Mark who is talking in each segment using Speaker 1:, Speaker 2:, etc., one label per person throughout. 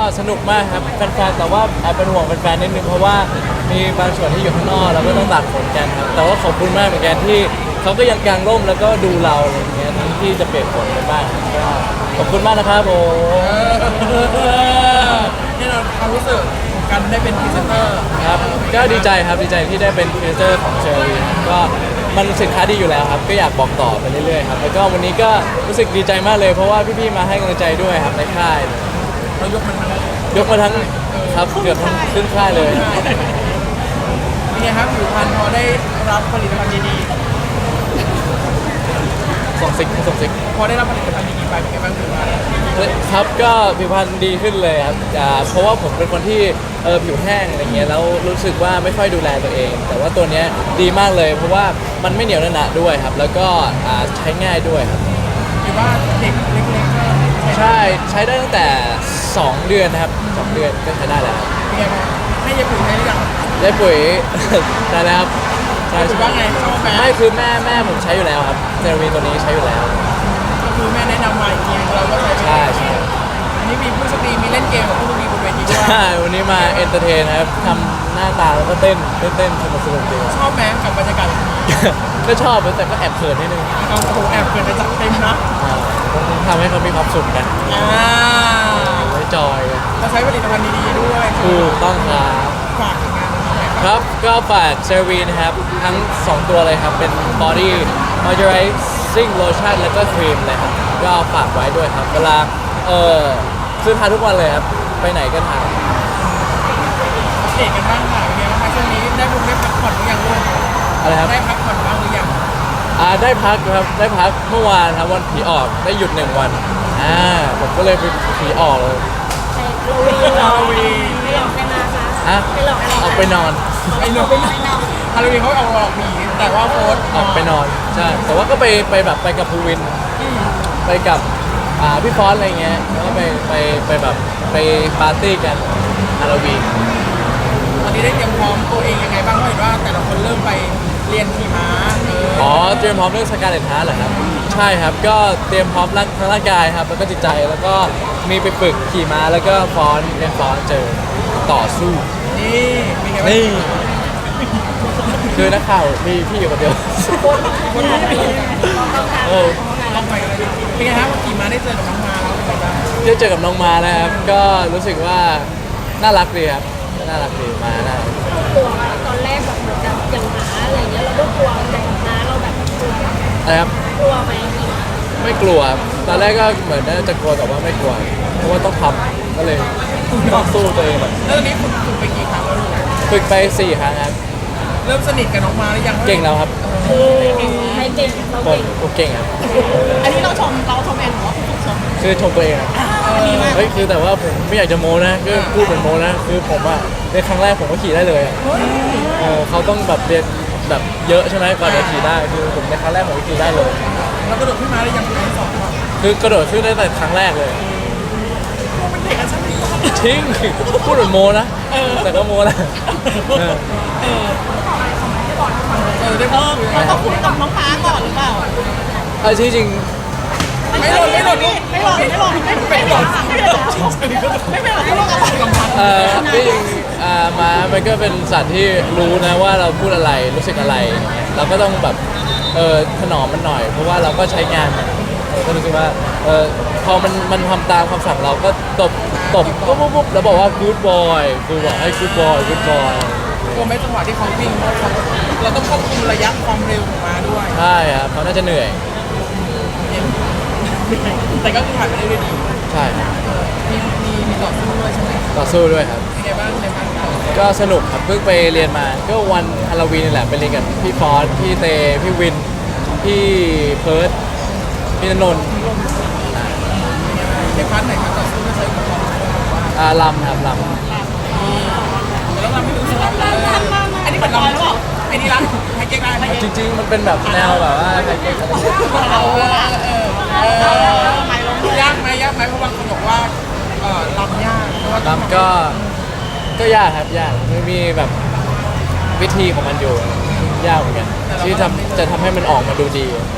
Speaker 1: สนุกมากครับแฟนๆแต่ว่าแอบเป็นห่วงแฟนๆนิดนึงเพราะว่ามีบางส่วนที่อยู่ข้างนอกแล้วก็ต้องตากฝนกันครับแต่ว่าขอบคุณมากเหมือนกันที่เขาก็ยังกางร่มแล้วก็ดูเราอะไรอย่างเงี้ยทั้งที่จะเปียกฝนไปบ้างก็ขอบคุณมากนะครับผม
Speaker 2: นี่เราความรู้สึกของการได้เป็นพรีเซนเตอร์
Speaker 1: ครับก็ดีใจครับดีใจที่ได้เป็นพรีเซนเตอร์ของเชอรี่ก็มันสินค้าดีอยู่แล้วครับก็อยากบอกต่อไปเรื่อยๆครับแล้วก็วันนี้ก็รู้สึกดีใจมากเลยเพราะว่าพี่ๆมาให้กำลังใจด้วยครับในค่าย
Speaker 2: เรายกมันมาย
Speaker 1: กมาทั้งครับเกือบทั้งครึ่งค่ายเลย
Speaker 2: เป็นไงครับผิวพรรณพอได้รับผลิตภัณฑ์ดี
Speaker 1: ส่งซิก
Speaker 2: ๆพอได้รับผลิตภัณฑ์ดีๆไปเป็นไงบ้างผิวพรรณ
Speaker 1: ครับก็ผิวพรรณดีขึ้นเลยครับเพราะว่าผมเป็นคนที่ผิวแห้งอะไรเงี้ยแล้วรู้สึกว่าไม่ค่อยดูแลตัวเอง แต่ว่าตัวเนี้ยดีมากเลย เพราะว่ามันไม่เหนียวหนะด้วยครับแล้วก็ใช้ง่ายด้วยครับ
Speaker 2: หรือว่าเด็กเล็กๆก็ใช้
Speaker 1: ใช่ใช้ได้ตั้งแต่ 2 เดือนนะครับ2 เดือนก็ใช้ได้แล้ว
Speaker 2: เป็นไงบ้างให้ยายปุ๋ยใช้หรือยัง
Speaker 1: ได้ปุ๋ย ใช่แล้วครับใช่
Speaker 2: ปุ๋ยว่าไงชอบไหม
Speaker 1: ไม่คือแม่ผมใช้อยู่แล้วครับเซรามีตัวนี้ใช้อยู่แล้ว
Speaker 2: ก็คือแม่แนะนำมาอีกทีเราก็ใช้
Speaker 1: ใช่ใช่
Speaker 2: อันนี้มีผู้โชคดีมีเล่นเกมกับผู้โชคดีบนเวทีด้วย
Speaker 1: ใช่วันนี้มาเอนเตอร์เทนครับทำหน้าตาแล้วก็เต้นสนุกดี
Speaker 2: ชอบไหมกับบรรยากาศแบบนี้
Speaker 1: ก็ชอบแต่ก็แอบเขินนิดนึง
Speaker 2: เอาโอ้โหแอบเกินจะจัดเต็มนะ
Speaker 1: ต้องทำให้เขามีความสุขกัน
Speaker 2: อ่า
Speaker 1: ไว้จอยกัน
Speaker 2: เราใช้ผลิตภัณฑ์ดีๆด้วย
Speaker 1: ถูกต้องครับ
Speaker 2: ฝากงานหน่อย
Speaker 1: ครับก็ฝากเซรวีนะครับทั้ง 2 ตัวเลยครับ เป็น Body Moisturizing Lotion แล้วก็ครีมเลยครับ ก็ฝากไว้ด้วยครับ เวลาซื้อทานทุกวันเลยครับ ไปไหนก็ทาน
Speaker 2: เด็กกันบ้างค่ะเป็นไงบ้างคะช่วงนี้ได้พักผ่อนหรือยังลูก
Speaker 1: อะไรครับ
Speaker 2: ได้พักผ่อนบ้างหรือยัง
Speaker 1: ได้พักครับ ได้พักเมื่อวานครับวันผีออกได้หยุด1 วันผมก็เลยไปผีออกเลย
Speaker 2: ฮาโลวีน
Speaker 3: ไปหลอกกันนะคะ
Speaker 1: ฮะ
Speaker 3: ไปหลอกกัน
Speaker 1: ออกไปนอน
Speaker 2: ไอ้นกฮาโลวีนเขาเอาหลอกหมีแต่ว่าโพสต์
Speaker 1: ออกไปนอนใช่แต่ว่าก็ไปแบบไปกับภูวิน ไปกับพี่ฟอนต์อะไรเงี้ยแล้วก็ไปแบบไปปาร์ตี้กันฮาโลวีน
Speaker 2: วันนี้ได้เตรียมพร้อมตัวเองยังไงบ้างเพราะเห็นว่าแต่ละคนเริ่มไปเรียนขี่ม้า
Speaker 1: อ๋อเตรียมพร้อมเรื่องสการเลตฮาร์ดเหรอครับใช่ครับก็เตรียมพร้อมทั้งร่างกายครับแล้วก็จิตใจแล้วก็มีไปฝึกขี่ม้าแล้วก็ฟ้อนเรียนฟ้อนเจอต่อสู้
Speaker 2: นี่เป็นไงบ้าง
Speaker 1: นี่คือนักข่าวมีพี่อยู่คนเดียว
Speaker 2: คนมองไม่เห็น
Speaker 1: เออ
Speaker 2: ลองไปกันเลยเป็นไงครับขี่ม้าได้เจอกับน้องมาแล้วเป็นไงบ้าง
Speaker 1: ได้เจอกับน้องมานะครับก็รู้สึกว่าน่ารักดีครับน่ารักดีมาน่ารัก
Speaker 3: กลัวตอนแรกแบบเหมือนกับอย่างหมาอะไรเงี้ยเราก็กลัวแต่หมาเราแบบกลัว
Speaker 1: นะครับ
Speaker 3: กลัวไหม
Speaker 1: ไม่กลัวครับตอนแรกก็เหมือนน่าจะกลัวแต่ว่าไม่กลัว เพราะว่าต้องทำก็เลยต้องสู้ตัวเองแบบ
Speaker 2: แล้วตอนนี้ฝึกไปกี่ครั้งแล้วลูก
Speaker 1: ฝึกไป4 ครั้งครับ
Speaker 2: เริ่มสนิทกับน้องมาหรือยัง
Speaker 1: เก่งแล้วครับ
Speaker 3: ใครเก่งเรา
Speaker 1: ผม
Speaker 3: เก่ง
Speaker 1: ผมเก่งครับ
Speaker 2: อันนี้เราชมเองเหรอชม
Speaker 1: คือชมตัวเองอะเฮ้ยคือแต่ว่าผมไม่อยากจะโม้นะคือพูดเหมือนโม้นะคือผมอะในครั้งแรกผมก็ขี่ได้เลยอะเขาต้องแบบเรียนแบบเยอะใช่ไหมกว่าจะขี่ได้คือผมในครั้งแรกผมก็ขี่ได้เลย
Speaker 2: แล้วกระโดดขึ้นมาหรือยังคุณไอ้สองครับ
Speaker 1: คือกระโดดขึ้นได้แต่ครั้งแรกเลย
Speaker 2: เป็นเด็กกันใช่ไหม
Speaker 1: ทิ้งพูดเหมือนโมนะแต่ก็โมนะเออ
Speaker 2: ได้พูดคุย
Speaker 3: เราต้องคุยกับน้องฟ้าก่อนหรือเปล่า
Speaker 1: เอาที่จริง
Speaker 2: ไม่หล่นไม่หล่นไม่หล่นไม่หล่นไม่หล่นไม่หล่นไม่เป็นไรไม่หล่นกับกำพัน
Speaker 1: ที่จริงม้ามันก็เป็นสัตว์ที่รู้นะว่าเราพูดอะไรรู้สึกอะไรอย่างเงี้ยเราก็ต้องแบบถนอมมันหน่อย เพราะว่าเราก็ใช้งานมันก็รู้สึกว่าพอมันทำตามคำสั่งเราก็ตบปุ๊บแล้วบอกว่า good boy คือบอกให้ good boy good boy
Speaker 2: กลัวไหมจังหวะที่เขาวิ่งเราต้องควบคุมระยะความเร็วของมาด้วย
Speaker 1: ใช่ครับเขาน่าจะเหนื่อย
Speaker 2: แต่ก็คือผ่านไปได้ด้วยดี
Speaker 1: ใช่ครับ
Speaker 2: มีต่อสู้ด้วยใช่ไหม
Speaker 1: ต่อสู้ด้วยครับ
Speaker 2: เป็นไงบ้างในบ้าน
Speaker 1: ก็สนุกครับเพิ่งไปเรียนมาก็วันฮาโลวีนนี่แหละไปเรียนกับพี่ฟอสพี่เตพี่วินพี่เพิร์ดพี่ณนนท์
Speaker 2: ในพาร์ทไหนครับต่อสู้ก็ใช้อุปกรณ์
Speaker 1: ลำครับล
Speaker 2: แล้วเราไม่รู้สึกว่าอันนี้เหมือนเราหรือเปล่าไอ้นี่รักไฮเก๊กได้
Speaker 1: ำจริงๆมันเป็นแบบแนวแบบว่าไทยเก๊กอะไรเงี้ย
Speaker 2: ยากไหมเพราะบางคนบอกว่าลำยากเพราะว่า
Speaker 1: ลำก็ยากครับยากไม่มีแบบวิธีของมันอยู่ยากเหมือนกันที่จะทำให้มันออกมาดูดี
Speaker 3: เรียก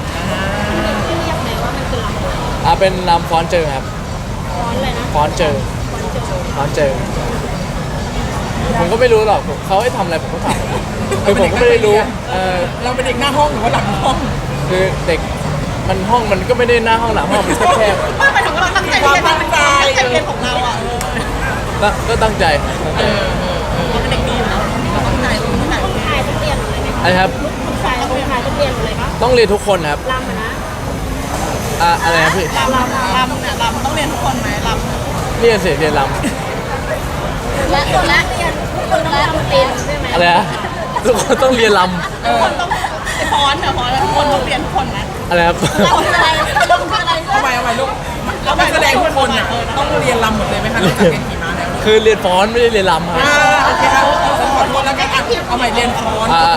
Speaker 3: ไหมว่ามันคือลำ
Speaker 1: เป็นลำฟอนเจอครับ
Speaker 3: ฟ้อนเลยนะ
Speaker 1: ฟอนเจอ
Speaker 3: ฟ้อนเจอ
Speaker 1: ตอนเจอผมก็ไม่รู้หรอกเขาให้ทำอะไรผมก็ทำคือผมก็ไม่ได้รู้
Speaker 2: เราเป็นเด็กหน้าห้องหรือว่าหลังห้อง
Speaker 1: คือเด็กมันห้องมันก็ไม่ได้หน้าห้องหลังห้องมันแคบ
Speaker 2: ไม่หมายถึงว่าเราตั้งใจเรียนตั้งใจเรียนของเราอ่ะ
Speaker 1: ก็ตั้งใจ
Speaker 2: เราเป็นเด็กดีอยู่แล้วเราตั้งใจเราตั้งใจ
Speaker 3: ผู้ชายต้องเรียนอะไรไหม
Speaker 1: อะไรครับ
Speaker 3: ผู้ชายต้องเรียนอะไรปะ
Speaker 1: ต้องเรียนทุกคนครับ
Speaker 3: รำนะ
Speaker 1: อะไรนะพี่
Speaker 2: ลำเนี่ยลำต้องเรียนทุกคนไหมลำ
Speaker 1: เรียนเสียเรียนร
Speaker 3: และคนละเรียนทุกคนต้องรำเป็นใช่ไหม
Speaker 1: ำอะไรนะทุกคนต้องเรียนร
Speaker 2: ทุกคนต้องฟ้อนเนี่ยฟ้อนแล้วทุกคนต้องเรียนทุกคนนะ
Speaker 1: ำอะไรครับ
Speaker 3: เราคืออะไรเราคืออะไร
Speaker 2: เอาไปลูกเราไปแสดงทุกคนอ่ะต้องเรียนลำหมดเลยไหมคะนอกจากเรียนขี่ม้าแล้ว
Speaker 1: คือเรียนฟ้อนไม่ได้เรียนรำครับ
Speaker 2: โอเคครับขอโทษแล้วกันเอาใหม่เรียนฟ้อน
Speaker 1: อ่า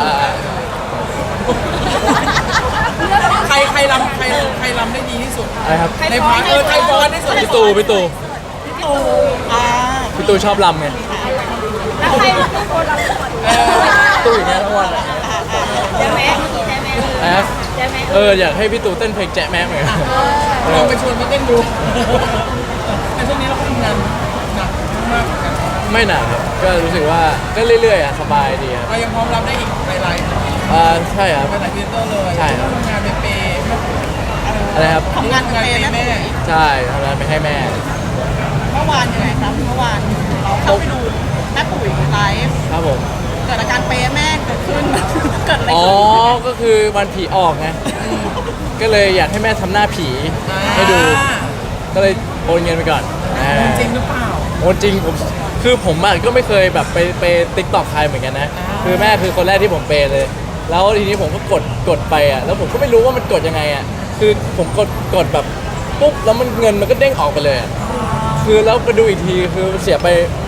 Speaker 2: ใครรำใครรำได้ดีที่สุด
Speaker 1: อะไรครับ
Speaker 2: ในพาร์ทใครฟ้อนที่สุด
Speaker 1: พี่ตูพี่ตู
Speaker 2: อ่า
Speaker 1: พี่ตูชอบรำไง
Speaker 3: แล้วใครเป็นคนรำก่อน
Speaker 1: ตูอย่างเงี้ยทั้งวัน
Speaker 3: ใช่ไหมเมื่อกี้ใช่ไหม
Speaker 1: นะครับ
Speaker 3: ใช่ไหม
Speaker 1: อยากให้พี่ตูเต้นเพลงแจ๊ะแม่เหมือนกัน
Speaker 2: ลองไปชวนมาเต้นดูแต่ช่วงนี้เราก็ทำงานหนักมากเหมือนกัน
Speaker 1: ไม่หนักครับก็รู้สึกว่าก็เรื่อยๆสบายดีครับ
Speaker 2: เรายังพร้อมรับได้อีกหลาย
Speaker 1: ใช่ครับ
Speaker 2: หลายทีเตอร์เลย
Speaker 1: ใช่ครับ
Speaker 2: ทำงานเป็นเปย์
Speaker 1: อะไรครับ
Speaker 2: ทำงานเป็นเปย์แม่
Speaker 1: ใช่ทำงานไปให้แม่
Speaker 2: เมื่อวานยังไงครับเมื่อวานเราเข้าไปดูแม่ปุ๋ยไลฟ์
Speaker 1: ครับผม
Speaker 2: เกิดอาการเปย์แม่เกิดขึ้นเกิดอะไร
Speaker 1: อ๋อ
Speaker 2: ขึ้น
Speaker 1: ก็คือวันผีออกไงก็เลยอยากให้แม่ทำหน้าผีให้ดู ก็เลยโอนเงินไปก่อน
Speaker 2: จริงหรือเปล่า
Speaker 1: โอนจริงผมอ่ะก็ไม่เคยแบบไปติ๊กตอกใครเหมือนกันนะ คือแม่คือคนแรกที่ผมเปย์เลย แล้วทีนี้ผมก็กดไปอ่ะแล้วผมก็ไม่รู้ว่ามันกดยังไงอ่ะคือผมกดแบบปุ๊บแล้วมันเงินมันก็เด้งออกไปเลยอะคือแล้วไปดูอีกทีคือเสียไป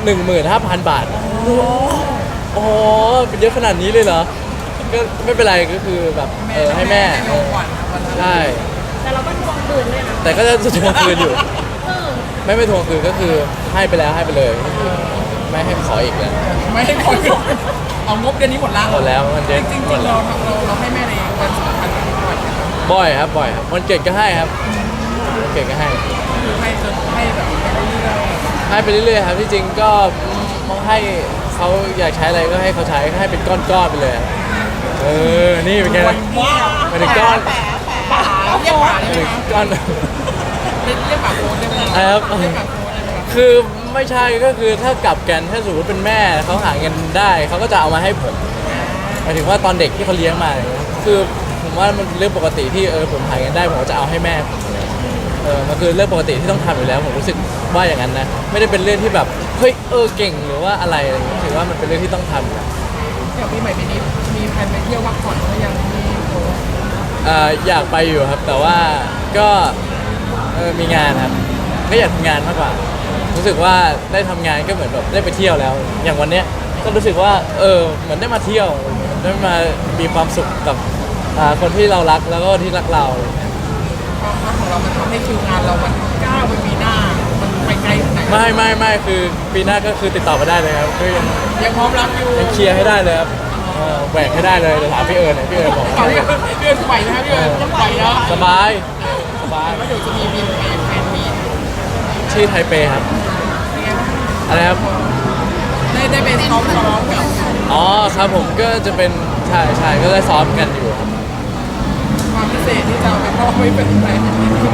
Speaker 1: 15,000 บาทอ๋อเป็นเยอะขนาดนี้เลยเหรอก็ไม่เป็นไรก็คือแบบให้แม่
Speaker 2: ให้ลงก่อนนะวันนั้น
Speaker 1: ใช่
Speaker 3: แต่เราก็ทวงคืนด้วยนะ
Speaker 1: แต่ก็จะทวงคืนอยู่
Speaker 3: เออ
Speaker 1: ไม่ทวงคืนก็คือให้ไปแล้วให้ไปเลย ไม่ให้ขออีกแล้ว
Speaker 2: ไม่ให้คนเอางบเดือนนี้หมดแล้ว
Speaker 1: หมดแล้วมันเดือน
Speaker 2: จริง
Speaker 1: หมด
Speaker 2: ๆ
Speaker 1: แล้ว
Speaker 2: เราให้แม่ในวันสำคัญบ่อย
Speaker 1: บ่อยครับบ่อยครับวันเกิดก็ให้ครับวันเกิดก็ให้
Speaker 2: คือให้จนให้แบบให้เรื่อย
Speaker 1: ให้ไปเรื่อยๆครับที่จริงก็ให้เขาอยากใช้อะไรก็ให้เขาใช้ให้เป็นก้อนๆไปเลยครับนี่เป็นไงนะ
Speaker 2: ว้าว
Speaker 1: มันเป็นก้อน
Speaker 2: ป่าเรียกป่าได้ไหม
Speaker 1: เป็น
Speaker 2: คะ
Speaker 1: ก้อน
Speaker 2: เรียกป่าโค้ดได้ไหม
Speaker 1: ครับ
Speaker 2: เรียกป่าโค้ดได้ไหมคะ
Speaker 1: คือไม่ใช่ก็คือถ้ากลับกันถ้าสมมติเป็นแม่เขาหาเงินได้เขาก็จะเอามาให้ผมหมายถึงว่าตอนเด็กที่เขาเลี้ยงมาอะไรเงี้ยคือผมว่ามันเป็นเรื่องปกติที่ผมหาเงินได้ผมก็จะเอาให้แม่ผมมันคือเรื่องปกติที่ต้องทำอยู่แล้วผมรู้สึกว่าอย่างนั้นนะไม่ได้เป็นเรื่องที่แบบเฮ้ยเก่งหรือว่าอะไรอะไรเงี้ยถือว่ามันเป็นเรื่องที่ต้องทำ
Speaker 2: อย่างปีใหม่ปีนี้มีแผนไปเที่ยวพักผ่อนก็ยังมีโค้ด
Speaker 1: อยากไปอยู่ครับ แต่ว่าก็มีงานครับก็อยากทำงานมากกว่า รู้สึกว่าได้ทำงานก็เหมือนแบบได้ไปเที่ยวแล้ว อย่างวันเนี้ยก็รู้สึกว่าเหมือนได้มาเที่ยวได้มามีความสุขกับคนที่เรารักแล้วก็ที่รักเรา
Speaker 2: ความรักของเรามันทำให้คิวงานเรามันก้าวไปปีหน้ามันไปไกลถึงไหน
Speaker 1: ไม่คือปีหน้าก็คือติดต่อมาได้เลยครับก็ยัง
Speaker 2: ยังพร้อมรับอยู่
Speaker 1: เคลียร์ให้ได้เลยครับแหวกให้ได้เลยเดี๋ยวถามพี่เอิญหน่อยพี่เอิญบอก
Speaker 2: ก่อนที่พี่เอิญไหวนะครับพี่เอิญไหวแล้ว
Speaker 1: สบายสบาย
Speaker 2: แล้วเดี๋ยวจะมีบินไปแฟนมีต
Speaker 1: ที่ไทเปครับอะไรครับ
Speaker 2: ได้ไปซ้อมกับ
Speaker 1: อ๋อครับผมก็จะเป็นใช่ก็ได้ซ้อมกันอยู่ครับ
Speaker 2: ความพิเศษที่จะเอาไปมอบให้เป็นแฟน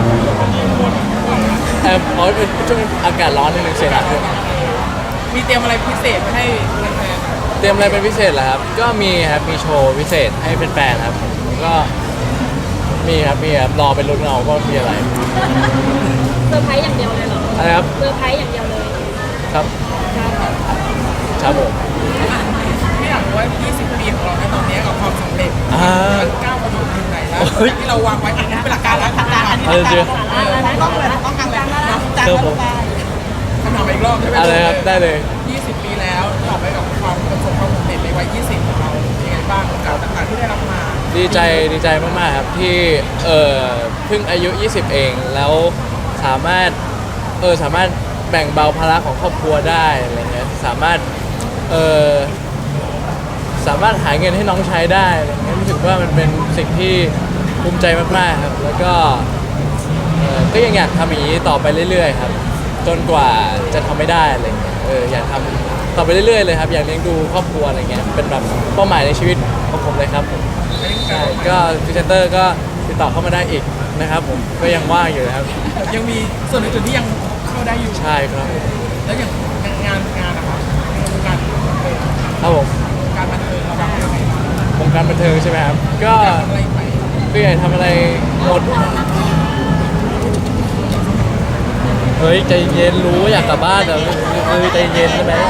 Speaker 1: เพราะเป็นช่วงอากาศร้อนนิดนึงเสียงดังด้วย
Speaker 2: มีเตรียมอะไรพิเศษให้แฟน
Speaker 1: เตรียมอะไรเป็นพิเศษเหรอครับก็มีครับมีโชว์พิเศษให้แฟนๆครับแล้วก็มีครับรอไปลุ้นเอาว่ามีอะไร
Speaker 3: เซอร์ไพรส์อย่างเดียวเลยเหรอ
Speaker 1: อะไรครับ
Speaker 3: เซอร์ไพรส์อย่างเดียวเลย
Speaker 1: ครับ
Speaker 3: ครับ
Speaker 1: ครับผม
Speaker 2: ๆพี่อยากรู้ว่า 20 ปีของเราในตอนนี้กับความสำเร็จมันก้าวกระโดดถึงไหนแล้วที่เราวางไว้อันนี้เป็นหลักการแล้วทางการอันนี้ ต้องเลยต้องการเลยนะจางก็ลงไปคำถามอีกรอบใช่ไหม
Speaker 1: อะไรครับได้เลย
Speaker 2: 20 ปีแล้วตอบไปกับความประสบความสำเร็จในวัย 20 ของเราเป็นไงบ้างกับต่างๆที่ได้รับมา
Speaker 1: ดีใจมากๆครับที่เพิ่งอายุ 20 เองแล้วสามารถแบ่งเบาภาระของครอบครัวได้อะไรเงี้ยสามารถหาเงินให้น้องใช้ได้อะไรเงี้ยรู้สึกว่ามันเป็นสิ่งที่ภูมิใจมากๆครับแล้วก็ยังอยากทำอย่างนี้ต่อไปเรื่อยๆครับจนกว่าจะทำไม่ได้อะไรเงี้ยอยากทำต่อไปเรื่อยๆเลยครับอยากเลี้ยงดูครอบครัวอะไรเงี้ยเป็นแบบเป้าหมายในชีวิตของผมเลยครับใช่ก็พรีเซนเตอร์ก็ติดต่อเข้ามาได้อีกนะครับผมก็ยังว่างอยู่นะครับ
Speaker 2: ยังมีส่วนอื่นๆที่ยังเข้าได้อยู่
Speaker 1: ใช่ครับ
Speaker 2: แล้วอย่างงานนะครับการ
Speaker 1: ครับผม
Speaker 2: การบันเทิงเราแบบยังไงบ้าง
Speaker 1: วงการบันเทิงใช่ไหมครับก็
Speaker 2: ทำอะไรไป
Speaker 1: คืออยากทำอะไรหมดเฮ้ยใจเย็นรู้ว่าอยากกลับบ้านแต่ใจเย็นใช่ไหม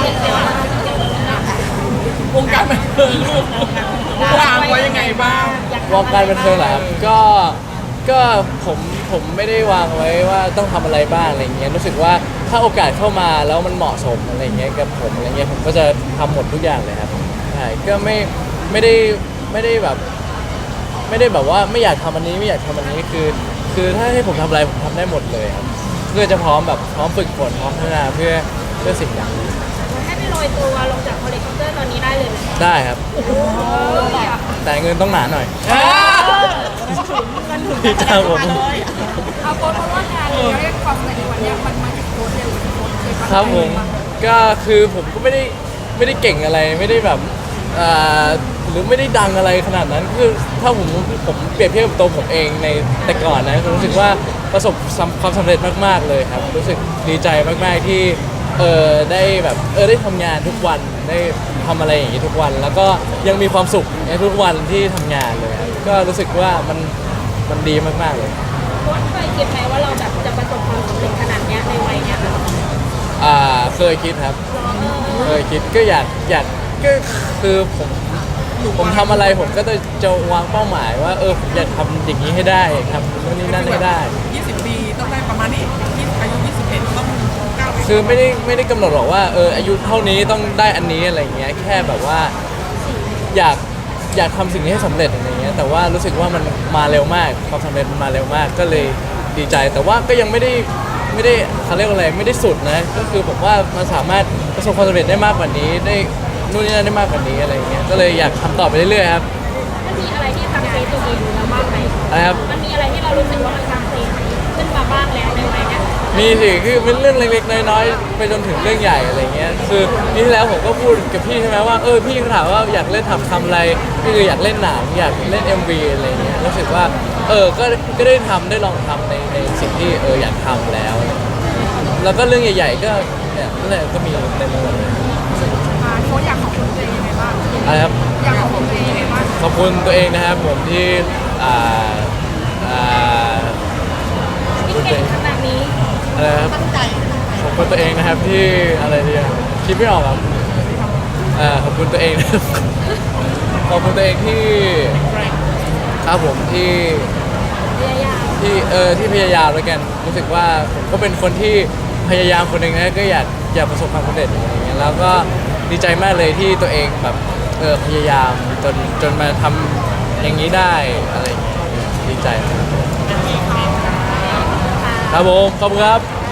Speaker 2: วงการบันเทิงวางไว้ยังไงบ้าง
Speaker 1: วงการบันเทิงเหรอครับก็ผมไม่ได้วางไว้ว่าต้องทำอะไรบ้างอะไรเงี้ยรู้สึกว่าถ้าโอกาสเข้ามาแล้วมันเหมาะสมอะไรเงี้ยกับผมอะไรเงี้ยผมก็จะทำหมดทุกอย่างเลยครับใช่ก็ไม่ได้แบบไม่ได้แบบว่าไม่อยากทำอันนี้ไม่อยากทำอันนี้คือถ้าให้ผมทำอะไรผมทำได้หมดเลยครับเพื่อจะพร้อมแบบพร้อมฝึกฝนพร้อมพัฒนาเพื่อสิ่งอย่างนี้
Speaker 3: ให้ไปโรยตัวลงจากเฮลิคอปเตอร์ตอนนี้ได้เลยไหม
Speaker 1: ได้ครับ แต่เงินต้องหนาหน่อยครับผม
Speaker 3: เอาโค้ดเพราะว่างานเราเรียกความสำเร็จในวันนี้มันมาจากโค้ดเดียวกับโค้ดเคย
Speaker 1: ครับผมก็คือผมก็ไม่ได้เก่งอะไรไม่ได้แบบหรือไม่ได้ดังอะไรขนาดนั้นคือถ้าผมเปรียบเทียบกับตัวผมเองในแต่ก่อนนะรู้สึกว่าประสบความสำเร็จมากๆเลยครับรู้สึกดีใจมากๆที่ได้แบบได้ทำงานทุกวันได้ทำอะไรอย่างนี้ทุกวัน แล้วก็ยังมีความสุขในทุกวันที่ทำงานเลยครับก็รู้สึกว่ามันดีมากๆเลย
Speaker 3: โค้ดเคยคิดไหมว่าเราแบบจะประสบความสำเร็จขนาดเนี้ยในวัยเนี้ยค่ะ
Speaker 1: เคยคิดครับเคยคิดก็อยากก็คือผมทำอะไรผมก็จะวางเป้าหมายว่าผมอยากทำอย่างนี้ให้ได้อยากทำนู่นนี่นั่นให้ได้
Speaker 2: 20 ปีต้องได้ประมาณนี้อายุ21ต้องก้าวไป
Speaker 1: คือไม่ได้กำหนดหรอกว่าอายุเท่านี้ต้องได้อันนี้อะไรเงี้ยแค่แบบว่าอยากทำสิ่งนี้ให้สำเร็จอะไรเงี้ยแต่ว่ารู้สึกว่ามันมาเร็วมากความสำเร็จมันมาเร็วมากก็เลยดีใจ แต่ว่าก็ยังไม่ได้เขาเรียกว่าอะไรไม่ได้สุดนะก็คือผมว่ามันสามารถประสบความสำเร็จได้มากกว่านี้ได้นู่นนี่นั่นได้มากกว่านี้อะไรเงี้ยก็เลยอยากทำต่อไปเรื่อยๆครับ
Speaker 3: มันมีอะไรที่ทำเซตัวเองเราบ้างไหม
Speaker 1: อะไรครับ
Speaker 3: มันมีอะไรที่เรารู้สึกว่ามันทำเซขึ้นมาบ้างแล้วในวัยเนี้ย
Speaker 1: มีสิคือเป็นเรื่องเล็กๆน้อยๆไปจนถึงเรื่องใหญ่อะไรเงี้ยคือนี่ที่แล้วผมก็พูดกับพี่ใช่ไหมว่าพี่ถามว่าอยากเล่นทำอะไรพี่คืออยากเล่นหนังอยากเล่น MV อะไรเงี้ยรู้สึกว่าก็ได้ลองทำในสิ่งที่อยากทำแล้ว แล้วก็เรื่องใหญ่ๆก็เนี่ยนั่นแหละก็มีเต็มไปหมดเลย
Speaker 3: โค้ดอยากขอบคุณตัวเองยังไงบ้าง
Speaker 1: อะไรครับ
Speaker 3: อยากขอบคุณตัวเองยังไงบ้าง
Speaker 1: ขอบคุณตัวเองนะครับผมที่
Speaker 3: ที่เก่งขนาดนี้
Speaker 1: อะไรครับ
Speaker 3: ตั้งใจ
Speaker 1: ขอบคุณตัวเองนะครับที่อะไรดีอะคิดไม่ออกครับขอบคุณตัวเองนะครับ ขอบคุณตัวเองที่ครับผมที่
Speaker 3: พยายาม
Speaker 1: ที่พยายามแล้วกันรู้สึกว่าผมก็เป็นคนที่พยายามคนหนึ่งนะก็อยากประสบความสำเร็จอะไรอย่างเงี้ยแล้วก็ดีใจมากเลยที่ตัวเองแบบพยายามจนมาทำอย่างนี้ได้อะไรอย่างเงี้ยดีใจมากครับผมขอบคุณครับ